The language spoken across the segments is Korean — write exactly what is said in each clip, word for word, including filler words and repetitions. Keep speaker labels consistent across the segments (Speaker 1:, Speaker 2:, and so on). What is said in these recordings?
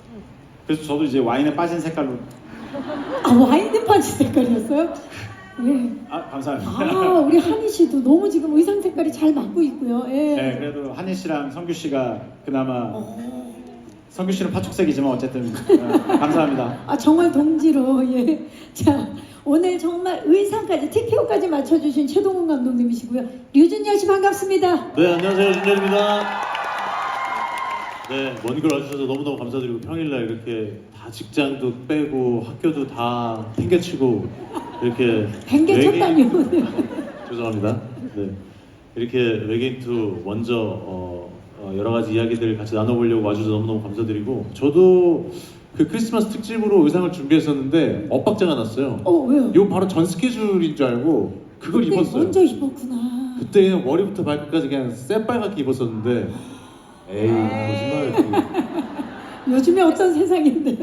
Speaker 1: 그래서 저도 이제 와인에 빠진 색깔로.
Speaker 2: 아, 와인에 빠진 색깔이었어요? 예.
Speaker 1: 아, 감사합니다.
Speaker 2: 아, 우리 한희 씨도 너무 지금 의상 색깔이 잘 맞고 있고요. 예.
Speaker 1: 네, 그래도 한희 씨랑 성규 씨가 그나마
Speaker 2: 어.
Speaker 1: 성규 씨는 파축색이지만 어쨌든 어, 감사합니다.
Speaker 2: 아, 정말 동지로. 예. 자, 오늘 정말 의상까지 티피오까지 맞춰주신 최동훈 감독님이시고요. 류준열 씨 반갑습니다.
Speaker 3: 네, 안녕하세요. 준열입니다. 네, 먼 길 와주셔서 너무너무 감사드리고 평일날 이렇게 다 직장도 빼고 학교도 다 팽개치고 이렇게
Speaker 2: 팽개쳤다니요.
Speaker 3: 외계인- 죄송합니다. 네, 이렇게 외계인 투 먼저 어, 어, 여러 가지 이야기들 같이 나눠보려고 와주셔서 너무너무 감사드리고 저도 그 크리스마스 특집으로 의상을 준비했었는데 엇박자가 났어요.
Speaker 2: 어, 왜요?
Speaker 3: 이거 바로 전 스케줄인 줄 알고 그걸
Speaker 2: 그때
Speaker 3: 입었어요.
Speaker 2: 먼저 입었구나.
Speaker 3: 그때 그냥 머리부터 발끝까지 그냥 새빨갛게 입었었는데 에이 거짓말.
Speaker 2: 요즘에 어떤 세상인데.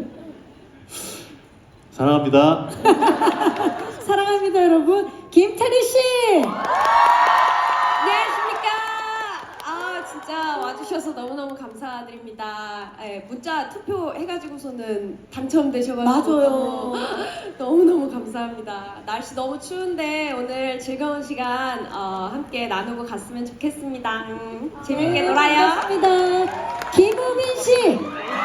Speaker 3: 사랑합니다.
Speaker 2: 사랑합니다, 여러분. 김태리 씨.
Speaker 4: 안녕하십니까. 아 진짜 와주셔서 너무너무 감사드립니다. 예, 문자 투표 해가지고서는 당첨되셔가지고
Speaker 2: 맞아요.
Speaker 4: 너무너무 감사합니다. 날씨 너무 추운데 오늘 즐거운 시간 어, 함께 나누고 갔으면 좋겠습니다. 음, 재밌게 놀아요.
Speaker 2: 반갑습니다. 김우빈 씨.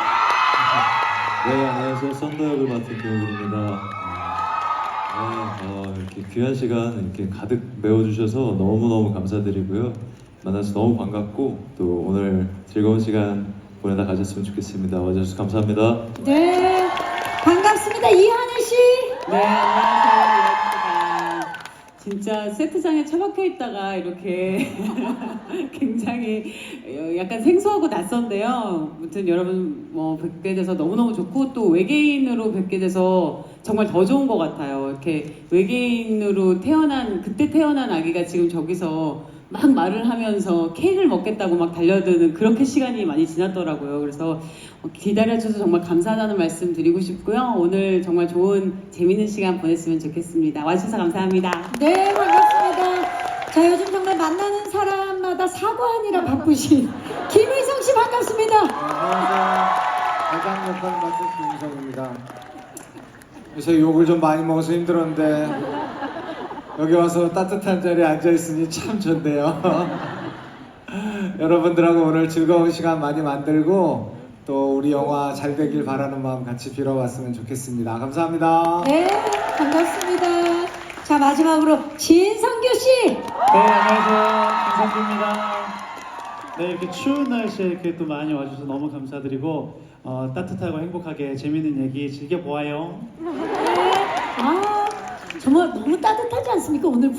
Speaker 5: 네, 안녕하세요. 썬더 역을 맡은 김우빈입니다. 네, 어, 이렇게 귀한 시간 이렇게 가득 메워주셔서 너무너무 감사드리고요. 만나서 너무 반갑고 또 오늘 즐거운 시간 보내다 가셨으면 좋겠습니다. 와주셔서 감사합니다.
Speaker 2: 네. 반갑습니다. 이하늘 씨.
Speaker 6: 네, 안녕하세요. 이하입니다. 진짜 세트장에 처박혀 있다가 이렇게 굉장히 약간 생소하고 낯선데요. 아무튼 여러분 뭐 뵙게 돼서 너무너무 좋고 또 외계인으로 뵙게 돼서 정말 더 좋은 것 같아요. 이렇게 외계인으로 태어난 그때 태어난 아기가 지금 저기서 막 말을 하면서 케이크를 먹겠다고 막 달려드는 그렇게 시간이 많이 지났더라고요. 그래서 기다려주셔서 정말 감사하다는 말씀 드리고 싶고요. 오늘 정말 좋은 재밌는 시간 보냈으면 좋겠습니다. 와주셔서 감사합니다.
Speaker 2: 네, 반갑습니다. 자, 요즘 정말 만나는 사람마다 사과하느라 바쁘신 김의성 씨 반갑습니다.
Speaker 7: 안녕하세요. 대장 역할 맡은 김희성입니다. 요새 욕을 좀 많이 먹어서 힘들었는데 여기 와서 따뜻한 자리에 앉아있으니 참 좋네요. 여러분들하고 오늘 즐거운 시간 많이 만들고 또 우리 영화 잘 되길 바라는 마음 같이 빌어봤으면 좋겠습니다. 감사합니다.
Speaker 2: 네, 반갑습니다. 자, 마지막으로 진성규 씨.
Speaker 8: 네, 안녕하세요. 김성규입니다. 네, 이렇게 추운 날씨에 이렇게 또 많이 와주셔서 너무 감사드리고 어, 따뜻하고 행복하게 재밌는 얘기 즐겨보아요.
Speaker 2: 아, 정말 너무 따뜻하지 않습니까? 오늘